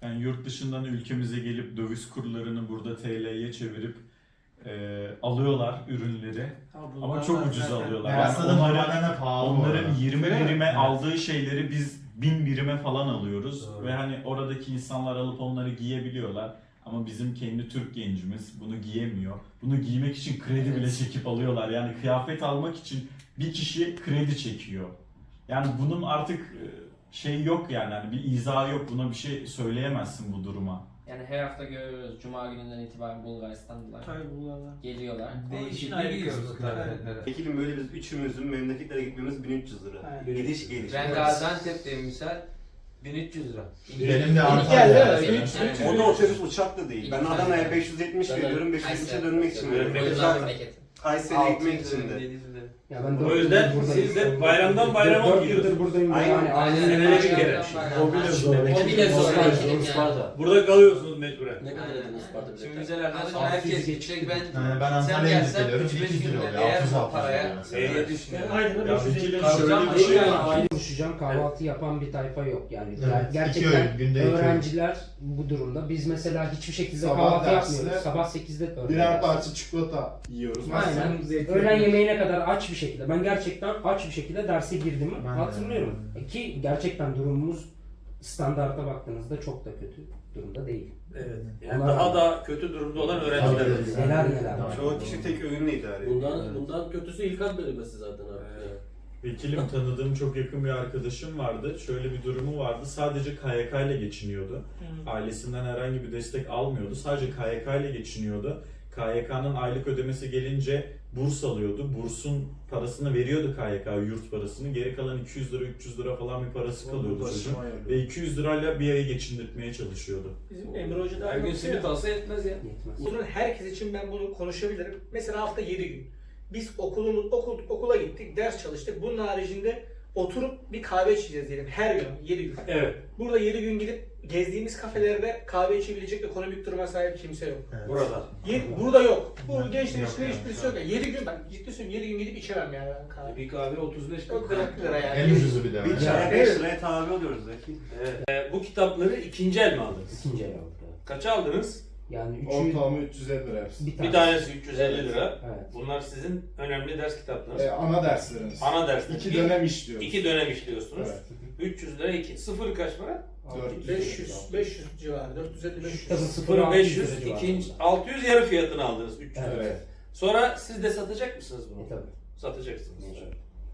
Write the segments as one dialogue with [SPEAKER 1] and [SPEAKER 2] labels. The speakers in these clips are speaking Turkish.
[SPEAKER 1] Yani yurt dışından ülkemize gelip döviz kurlarını burada TL'ye çevirip alıyorlar ürünleri. Ama çok ucuz alıyorlar. Yani onların 20 birime aldığı şeyleri biz 1000 birime falan alıyoruz.
[SPEAKER 2] Doğru.
[SPEAKER 1] Ve hani oradaki insanlar alıp onları giyebiliyorlar. Ama bizim kendi Türk gencimiz bunu giyemiyor. Bunu giymek için kredi bile çekip alıyorlar. Yani kıyafet almak için bir kişi kredi çekiyor. Yani bunun artık şey yok yani hani bir izahı yok. Buna bir şey söyleyemezsin bu duruma.
[SPEAKER 3] Yani her hafta görüyoruz. Cuma gününden itibaren Bulgaristanlılar geliyorlar.
[SPEAKER 2] Değişikliğe gidiyoruz kıyafetlere.
[SPEAKER 4] Ekilim böyle biz üçümüzün memleketlere gitmemiz 1300 lira.
[SPEAKER 2] Aynen.
[SPEAKER 4] Gidiş geliş.
[SPEAKER 5] Ben Gaziantep'teyim misal 1300 lira.
[SPEAKER 6] Benim de
[SPEAKER 3] Antalya'da.
[SPEAKER 4] O da otobüs uçak da değil. Ben Adana'ya 570 veriyorum, 570'e dönmek için veriyorum. Kayseri'ye gitmek için de.
[SPEAKER 7] Ya ben
[SPEAKER 2] O yüzden siz de bayramdan bayrama
[SPEAKER 7] 4
[SPEAKER 2] gidiyorsunuz.
[SPEAKER 7] yıldır buradayım.
[SPEAKER 4] Aynen.
[SPEAKER 7] Yani
[SPEAKER 2] Senede bir kere.
[SPEAKER 7] O bile zor.
[SPEAKER 3] O bile zor.
[SPEAKER 5] Isparta.
[SPEAKER 2] Burada kalıyorsunuz mecburen.
[SPEAKER 5] Ne kadar ödedin Isparta
[SPEAKER 3] Şimdi
[SPEAKER 5] biletler?
[SPEAKER 3] müzelerden
[SPEAKER 5] Herkes gidecek ben.
[SPEAKER 6] Ben
[SPEAKER 5] Sen
[SPEAKER 6] Antalya'ya
[SPEAKER 5] gelsen
[SPEAKER 6] geliyorum.
[SPEAKER 5] 3-5
[SPEAKER 6] 200 lira
[SPEAKER 5] günde
[SPEAKER 6] oluyor.
[SPEAKER 5] eğer
[SPEAKER 6] 600
[SPEAKER 5] bu paraya
[SPEAKER 2] Evet.
[SPEAKER 5] düşünüyorum.
[SPEAKER 2] Aynen
[SPEAKER 1] Ya Vekil'in
[SPEAKER 5] Kalacağım
[SPEAKER 1] şöyle bir şey
[SPEAKER 5] ama
[SPEAKER 1] var.
[SPEAKER 7] konuşacağım, kahvaltı yapan bir tayfa yok yani.
[SPEAKER 6] Evet,
[SPEAKER 7] Gerçekten
[SPEAKER 6] 2 öğün, günde 2 öğün.
[SPEAKER 7] öğrenciler bu durumda. Biz mesela hiçbir şekilde
[SPEAKER 8] Sabah
[SPEAKER 7] kahvaltı
[SPEAKER 8] dersine
[SPEAKER 7] yapmıyoruz. Sabah 8'de öğlen
[SPEAKER 8] Birer
[SPEAKER 7] dersi.
[SPEAKER 8] parça çikolata yiyoruz.
[SPEAKER 7] Aynen. Öğlen yemeğine kadar aç bir şekilde. Ben gerçekten aç bir şekilde derse girdiğimi
[SPEAKER 6] Ben de.
[SPEAKER 7] hatırlıyorum. Ki gerçekten durumumuz standarta baktığınızda çok da kötü durumda değil.
[SPEAKER 2] Evet. Yani daha da kötü durumda olan öğrenciler var.
[SPEAKER 6] Tabii.
[SPEAKER 7] Neler neler var.
[SPEAKER 4] Çoğu kişi tek öğünle idare ediyor.
[SPEAKER 5] Bundan kötüsü İlkan bölümesi zaten artık.
[SPEAKER 1] Vekilim tanıdığım çok yakın bir arkadaşım vardı. Şöyle bir durumu vardı. Sadece KYK ile geçiniyordu. Ailesinden herhangi bir destek almıyordu. Sadece KYK ile geçiniyordu. KYK'nın aylık ödemesi gelince burs alıyordu. Bursun parasını veriyordu KYK, yurt parasını. Geri kalan 200 lira, 300 lira falan bir parası kalıyordu çocuğun. Ve 200 lirayla bir ayı geçindirtmeye çalışıyordu.
[SPEAKER 9] Bizim Emre Hoca da
[SPEAKER 5] Her gün simit alsa yetmez ya.
[SPEAKER 7] Yetmez.
[SPEAKER 9] Bunun herkes için ben bunu konuşabilirim. Mesela hafta 7 gün. Biz okula gittik, ders çalıştık. Bunun haricinde oturup bir kahve içeceğiz diyelim her gün 7 gün.
[SPEAKER 2] Evet.
[SPEAKER 9] Burada 7 gün gidip gezdiğimiz kafelerde kahve içebilecek ekonomik duruma sahip kimse yok.
[SPEAKER 2] Burada.
[SPEAKER 9] Burada yok. Bu gençler içinde hiçbirisi yok. 7 gün ben ciddi söylüyorum 7 gün gidip içemem yani ben kahve.
[SPEAKER 5] Bir kahve 35
[SPEAKER 9] Yok 40 lira yani.
[SPEAKER 6] En ucuzu bir de.
[SPEAKER 4] Bir çaya 5 liraya tabi oluyoruz Zeki.
[SPEAKER 2] Bu kitapları ikinci el mi aldınız?
[SPEAKER 7] İkinci el aldık. Evet.
[SPEAKER 2] Kaça aldınız?
[SPEAKER 7] Yani 3'ü
[SPEAKER 8] Ortalama 350 lira hepsi.
[SPEAKER 2] Bir tanesi 350 lira.
[SPEAKER 7] Evet.
[SPEAKER 2] Bunlar sizin önemli ders kitaplarınız.
[SPEAKER 8] Ana derslerimiz.
[SPEAKER 2] Ana dersler.
[SPEAKER 8] 2 dönem işliyoruz.
[SPEAKER 2] 2 dönem işliyorsunuz.
[SPEAKER 8] Evet.
[SPEAKER 2] 300 lira 2. Sıfır kaç para?
[SPEAKER 9] 500 civarı 450-500.
[SPEAKER 7] Tabii
[SPEAKER 2] Sıfır 500.
[SPEAKER 7] civarında.
[SPEAKER 2] İkinci 600 yarı fiyatını aldınız 300 lira.
[SPEAKER 8] Evet.
[SPEAKER 2] Sonra siz de satacak mısınız bunu?
[SPEAKER 7] Tabii.
[SPEAKER 2] Satacaksınız.
[SPEAKER 7] Evet.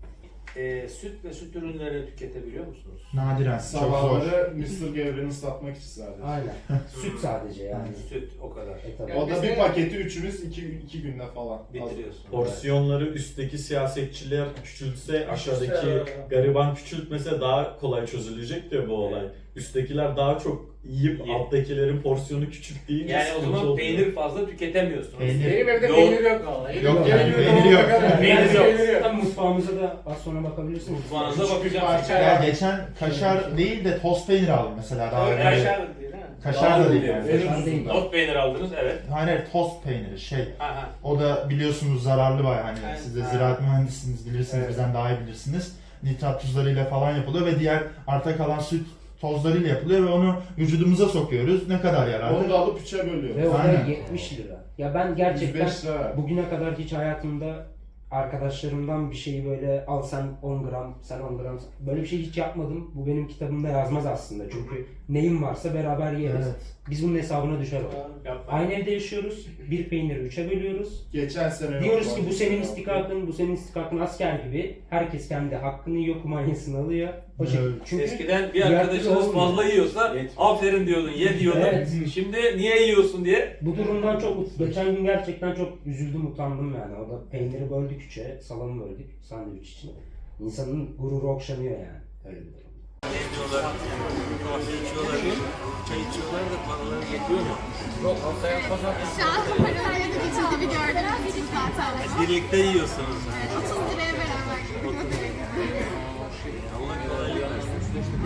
[SPEAKER 2] Süt ve süt ürünleri tüketebiliyor musunuz?
[SPEAKER 6] Nadiren. Çok zor.
[SPEAKER 8] Sabahları mısır gevreğini satmak için sadece.
[SPEAKER 7] Aynen. Süt sadece yani.
[SPEAKER 2] Süt o kadar.
[SPEAKER 7] Tabii.
[SPEAKER 8] O da bir paketi üçümüz 2 günde falan.
[SPEAKER 2] Bitiriyorsun.
[SPEAKER 1] Porsiyonları üstteki siyasetçiler küçültse, aşağıdaki gariban küçültmese daha kolay çözülecek diyor bu olay. Üsttekiler daha çok yiyip alttakilerin porsiyonu küçük deyince
[SPEAKER 2] Yani o
[SPEAKER 1] sıkıntı
[SPEAKER 2] zaman
[SPEAKER 1] oluyor.
[SPEAKER 2] peynir fazla tüketemiyorsunuz.
[SPEAKER 6] Peynir.
[SPEAKER 9] Benim evde
[SPEAKER 2] Yok.
[SPEAKER 9] peynir yok vallahi.
[SPEAKER 6] Yok yani peyniri yok.
[SPEAKER 2] Peynir yok.
[SPEAKER 7] Tabii mutfağımıza da az sonra bakabilirsiniz.
[SPEAKER 2] Mutfağınıza
[SPEAKER 8] Küçük bir
[SPEAKER 2] bakacağım.
[SPEAKER 8] parça
[SPEAKER 6] Ya geçen kaşar değil de toz peynir aldım mesela. Daha önce.
[SPEAKER 2] Kaşar değil ha.
[SPEAKER 6] Kaşar da değil yani.
[SPEAKER 7] Kaşar değil.
[SPEAKER 2] Not peynir aldınız evet.
[SPEAKER 6] Hayır toz peyniri şey.
[SPEAKER 2] Aha.
[SPEAKER 6] O da biliyorsunuz zararlı bayağı hani
[SPEAKER 2] Evet.
[SPEAKER 6] siz de
[SPEAKER 2] Ha.
[SPEAKER 6] ziraat mühendisiniz bilirsiniz
[SPEAKER 2] Evet.
[SPEAKER 6] bizden daha iyi bilirsiniz. Nitrat tuzlarıyla falan yapılıyor ve diğer arta kalan süt tozlarıyla yapılıyor ve onu vücudumuza sokuyoruz. Ne kadar yararlı?
[SPEAKER 8] Onu da alıp 3'e bölüyoruz.
[SPEAKER 7] Ve o da
[SPEAKER 6] Aynen.
[SPEAKER 7] 70 lira. Ya ben gerçekten
[SPEAKER 8] 105 lira ver.
[SPEAKER 7] bugüne kadar hiç hayatımda arkadaşlarımdan bir şeyi böyle al sen 10 gram, sen 10 gram böyle bir şey hiç yapmadım. Bu benim kitabımda yazmaz aslında. Çünkü neyim varsa beraber yeriz.
[SPEAKER 6] Evet.
[SPEAKER 7] Biz bunun hesabına düşer o.
[SPEAKER 2] Yapma.
[SPEAKER 7] Aynı evde yaşıyoruz. Bir peyniri 3'e bölüyoruz.
[SPEAKER 8] Geçen sene
[SPEAKER 7] Diyoruz
[SPEAKER 8] yok,
[SPEAKER 7] ki bu senin istikakın, bu senin istikakın asker gibi. Herkes kendi hakkını yiyor, kumanyasını alıyor. O şekilde.
[SPEAKER 6] Evet.
[SPEAKER 7] Çünkü
[SPEAKER 2] Eskiden bir
[SPEAKER 7] diğer
[SPEAKER 2] arkadaşınız
[SPEAKER 7] türlü
[SPEAKER 2] fazla
[SPEAKER 7] olmuyor.
[SPEAKER 2] yiyorsa aferin diyordun, ye diyordun.
[SPEAKER 7] Evet.
[SPEAKER 2] Şimdi niye yiyorsun diye.
[SPEAKER 7] Bu durumdan çok, geçen gün gerçekten çok üzüldüm, utandım yani. O da peyniri böldük 3'e, salamı böldük sandviç için. İnsanın gururu okşanıyor yani. Öyle bir durum.
[SPEAKER 5] Yemiyorlar, kahve içiyorlar, çay içiyorlar da paraları yetiyor mu? Yok haftaya pazartesi.
[SPEAKER 10] Şu an paralarla da geçildiğini gördüğünüz için zaten.
[SPEAKER 5] Birlikte yiyorsunuz.
[SPEAKER 10] 30 liraya beraber.
[SPEAKER 5] Allah kolaylık versin.